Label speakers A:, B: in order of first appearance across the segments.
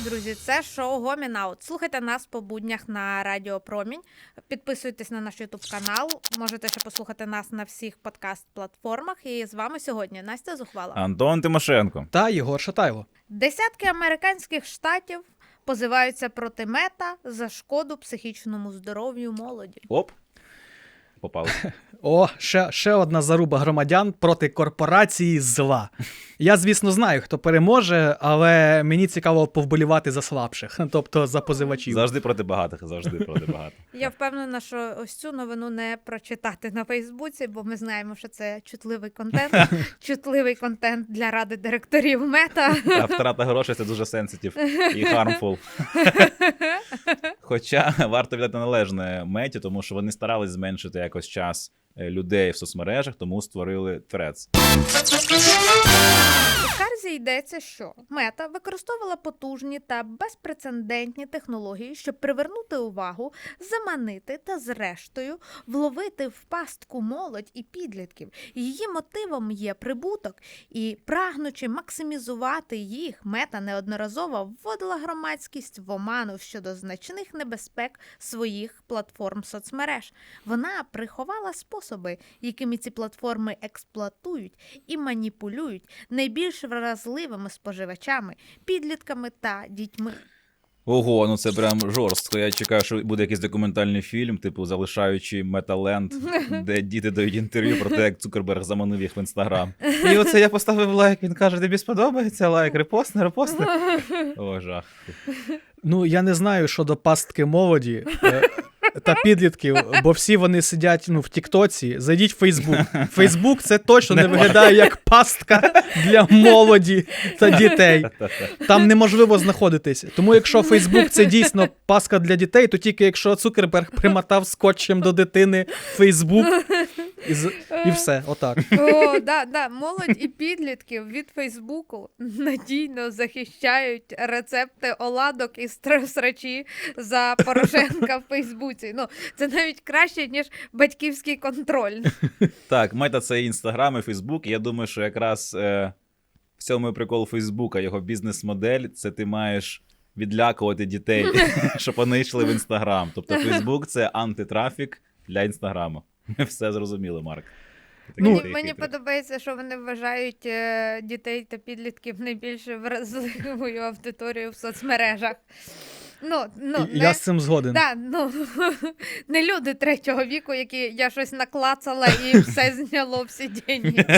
A: Друзі, це шоу Гомін Аут. Слухайте нас по буднях на Радіо Промінь. Підписуйтесь на наш ютуб-канал. Можете ще послухати нас на всіх подкаст-платформах. І з вами сьогодні Настя Зухвала.
B: Антон Тимошенко.
C: Та Єгор Шатайло.
A: Десятки американських штатів позиваються проти Мета за шкоду психічному здоров'ю молоді.
B: Оп. Попали.
C: О, ще одна заруба громадян проти корпорації зла. Я, звісно, знаю, хто переможе, але мені цікаво повболівати за слабших, тобто за позивачів.
B: Завжди проти багатих, завжди проти багатих.
A: Я впевнена, що ось цю новину не прочитати на Фейсбуці, бо ми знаємо, що це чутливий контент для ради директорів Мета.
B: А втрата грошей – це дуже сенситив і harmful. Хоча варто віддати належне Меті, тому що вони старались зменшити якось час людей в соцмережах, тому створили Threads.
A: У скарзі йдеться, що Мета використовувала потужні та безпрецедентні технології, щоб привернути увагу, заманити та, зрештою, вловити в пастку молодь і підлітків. Її мотивом є прибуток, і, прагнучи максимізувати їх, Мета неодноразово вводила громадськість в оману щодо значних небезпек своїх платформ соцмереж. Вона приховала способи, якими ці платформи експлуатують і маніпулюють найбільш вразливими споживачами, підлітками та дітьми.
B: Ого, ну це прям жорстко. Я чекаю, що буде якийсь документальний фільм, типу «Залишаючи Металенд», де діти дають інтерв'ю про те, як Цукерберг заманив їх в Інстаграм. І оце я поставив лайк, він каже, тобі сподобається лайк, репостни. О, жах.
C: Ну, я не знаю щодо пастки молоді та підлітків, бо всі вони сидять в Тіктоці. Зайдіть в Фейсбук. Фейсбук – це точно не виглядає як пастка для молоді та дітей. Там неможливо знаходитись. Тому якщо Фейсбук – це дійсно пастка для дітей, то тільки якщо Цукерберг примотав скотчем до дитини Фейсбук і все, отак.
A: О, да, молодь і підлітків від Фейсбуку надійно захищають рецепти оладок і срачі за Порошенка в Фейсбуці. Ну, це навіть краще, ніж батьківський контроль.
B: Так, Мета – це Інстаграм і Фейсбук. Я думаю, що якраз в цьому і прикол Фейсбука, його бізнес-модель, це ти маєш відлякувати дітей, щоб вони йшли в Інстаграм. Тобто Фейсбук – це антитрафік для Інстаграму. Ми все зрозуміли, Марк.
A: Мені подобається, що вони вважають дітей та підлітків найбільш вразливою аудиторією в соцмережах.
C: Я з цим згоден.
A: Не люди третього віку, які я щось наклацала і все зняло, всі деньги.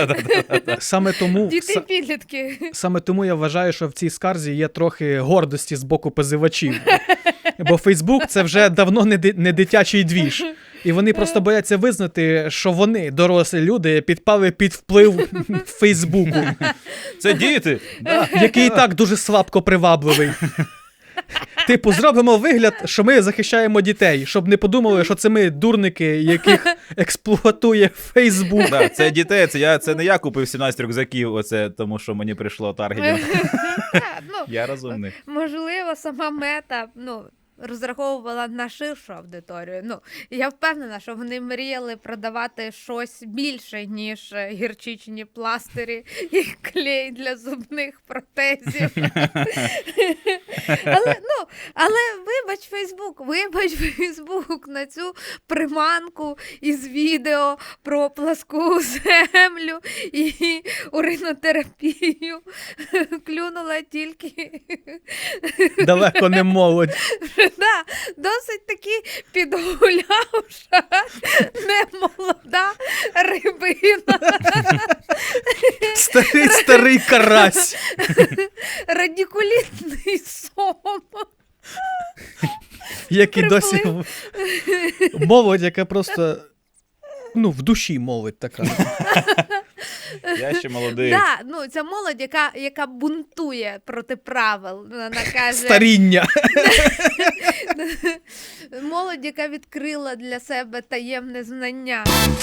A: Діти-підлітки.
C: Саме тому я вважаю, що в цій скарзі є трохи гордості з боку позивачів. Бо Фейсбук – це вже давно не дитячий двіж. І вони просто бояться визнати, що вони, дорослі люди, підпали під вплив Фейсбуку.
B: Це діти!
C: Який і так дуже слабко привабливий. Типу, зробимо вигляд, що ми захищаємо дітей, щоб не подумали, що це ми дурники, яких експлуатує Фейсбук.
B: Да, це дітей, це не я купив 17 рюкзаків, тому що мені прийшло таргетінг. Я розумний.
A: Можливо, сама Мета, розраховувала на ширшу аудиторію. Я впевнена, що вони мріяли продавати щось більше, ніж гірчичні пластирі і клей для зубних протезів. Але вибач Фейсбук на цю приманку із відео про пласку землю і уринотерапію клюнула тільки
C: далеко не молодь.
A: Досить таки підгулявша, немолода рибина.
C: Старий карась.
A: Радикулітний сом.
C: Як і досі молодь, яка просто в душі молодь така.
B: Я ще молодий.
A: Ця молодь, яка бунтує проти правил. Вона каже...
C: Старіння.
A: Молодь, яка відкрила для себе таємне знання.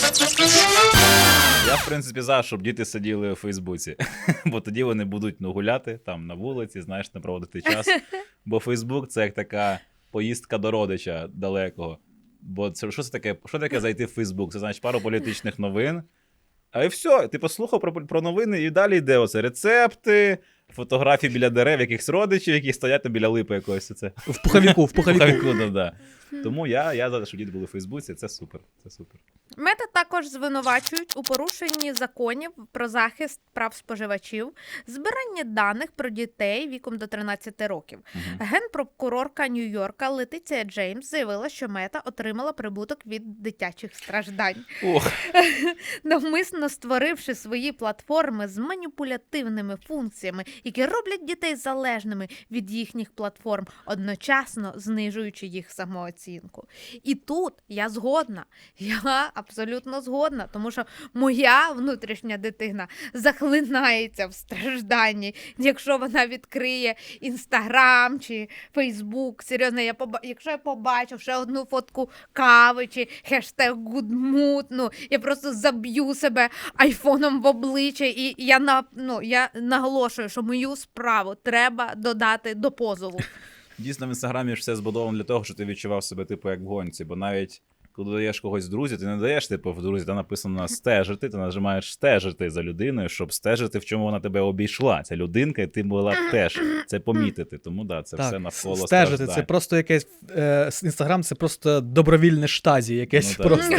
B: Я, в принципі, за, щоб діти сиділи у Фейсбуці. Бо тоді вони будуть гуляти там на вулиці, не проводити час. Бо Фейсбук – це як така поїздка до родича далекого. Бо це, що таке зайти в Фейсбук? Це значить пару політичних новин. А і все, ти послухав про новини, і далі йде оце рецепти, фотографії біля дерев, якихось родичів, які стоять там біля липи якоїсь. Це.
C: В пуховіку.
B: Да. Тому я за те, що діти були в Фейсбуці, це супер.
A: Мета також звинувачують у порушенні законів про захист прав споживачів, збирання даних про дітей віком до 13 років. Генпрокурорка Нью-Йорка Летиція Джеймс заявила, що Мета отримала прибуток від дитячих страждань.
B: Ох.
A: Навмисно створивши свої платформи з маніпулятивними функціями, які роблять дітей залежними від їхніх платформ, одночасно знижуючи їх самооцінку. І тут я згодна. Я абсолютно згодна, тому що моя внутрішня дитина захлинається в стражданні, якщо вона відкриє Інстаграм чи Фейсбук. Серйозно, якщо я побачу ще одну фотку кави чи хештег «Гудмут», я просто заб'ю себе айфоном в обличчя, і я наголошую, що мою справу треба додати до позову.
B: Дійсно, в Інстаграмі ж все збудовано для того, щоб ти відчував себе, типу, як в гонці, бо навіть коли даєш когось в друзі, ти не даєш, типу, в друзі, там написано «стежити», ти нажимаєш «стежити» за людиною, щоб стежити, в чому вона тебе обійшла. Ця людинка, і ти була теж це помітити. Тому, да, це все навколо
C: стежити,
B: страждань.
C: це просто якесь, Інстаграм, це просто добровільне штазі якесь просто.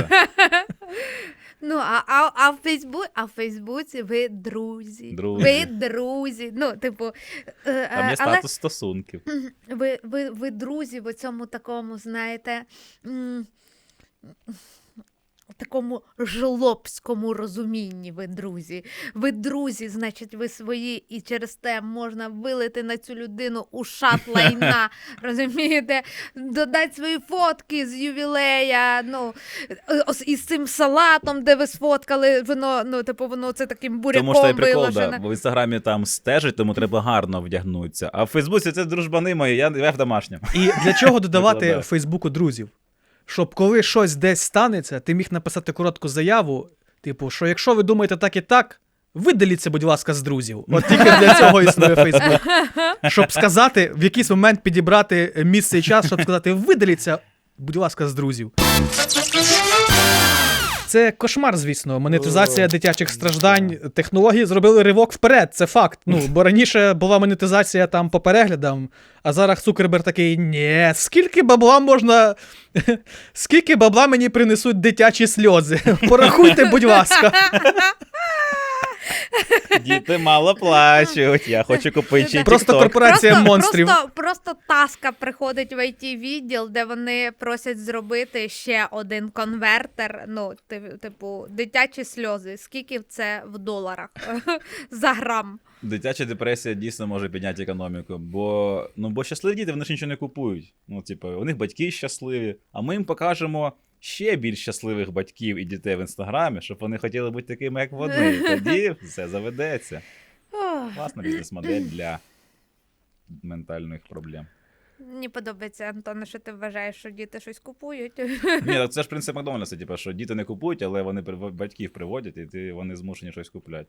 A: А в Фейсбуці ви друзі. Ви друзі.
B: Там є статус стосунків.
A: Ви друзі в цьому такому, знаєте, в такому жлобському розумінні ви друзі. Ви друзі, значить, ви свої, і через те можна вилити на цю людину ушат лайна, розумієте? Додати свої фотки з ювілея, із цим салатом, де ви сфоткали, воно це таким буряком
B: виложене. Тому що прикол,
A: виложене.
B: бо в Інстаграмі там стежить, тому треба гарно вдягнутися. А в Фейсбуці це дружбани мої, я в домашньому.
C: І для чого додавати в Фейсбуку друзів? Щоб коли щось десь станеться, ти міг написати коротку заяву, типу, що якщо ви думаєте так і так, видаліться, будь ласка, з друзів. От тільки для цього існує Фейсбук. Щоб сказати, в якийсь момент підібрати місце і час, щоб сказати, видаліться, будь ласка, з друзів. Це кошмар, звісно, монетизація дитячих страждань. Технології зробили ривок вперед, це факт. Бо раніше була монетизація там по переглядам, а зараз Цукерберг такий, ні, скільки бабла мені принесуть дитячі сльози? Порахуйте, будь ласка.
B: Діти мало плачуть, я хочу купити TikTok.
C: Просто корпорація монстрів.
A: Просто таска приходить в IT-відділ, де вони просять зробити ще один конвертер, типу, дитячі сльози. Скільки це в доларах за грам?
B: Дитяча депресія дійсно може підняти економіку, бо щасливі діти, вони ж нічого не купують. У них батьки щасливі, а ми їм покажемо ще більш щасливих батьків і дітей в Інстаграмі, щоб вони хотіли бути такими, як вони. Тоді все заведеться. Класна бізнес-модель для ментальних проблем.
A: Мені подобається, Антоне, що ти вважаєш, що діти щось купують.
B: Ні, це ж принцип Макдональдса, що діти не купують, але вони батьків приводять, і вони змушені щось купляти.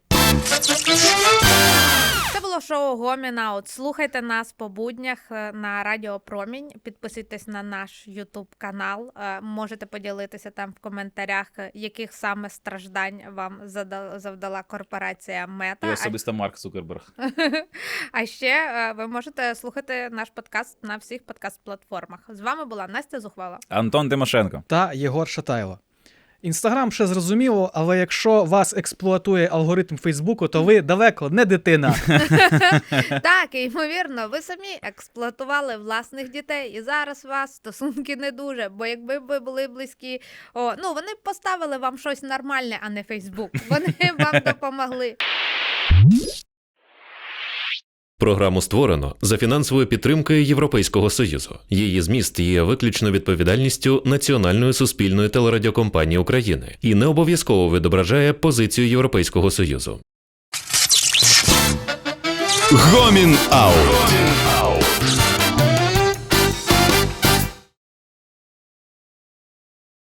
A: Це було шоу Гоміна. Слухайте нас по буднях на Радіо Промінь. Підписуйтесь на наш YouTube-канал. Можете поділитися там в коментарях, яких саме страждань вам завдала корпорація Мета.
B: І особисто Марк Цукерберг.
A: А ще ви можете слухати наш подкаст на всіх подкаст-платформах. З вами була Настя Зухвала.
B: Антон Тимошенко.
C: Та Єгор Шатайло. Інстаграм ще зрозуміло, але якщо вас експлуатує алгоритм Фейсбуку, то ви далеко не дитина.
A: Так, і ймовірно, ви самі експлуатували власних дітей, і зараз у вас стосунки не дуже, бо якби ви були близькі, вони б поставили вам щось нормальне, а не Фейсбук. Вони вам допомогли.
D: Програму створено за фінансовою підтримкою Європейського Союзу. Її зміст є виключно відповідальністю Національної суспільної телерадіокомпанії України і не обов'язково відображає позицію Європейського Союзу.
E: Гомін Аут.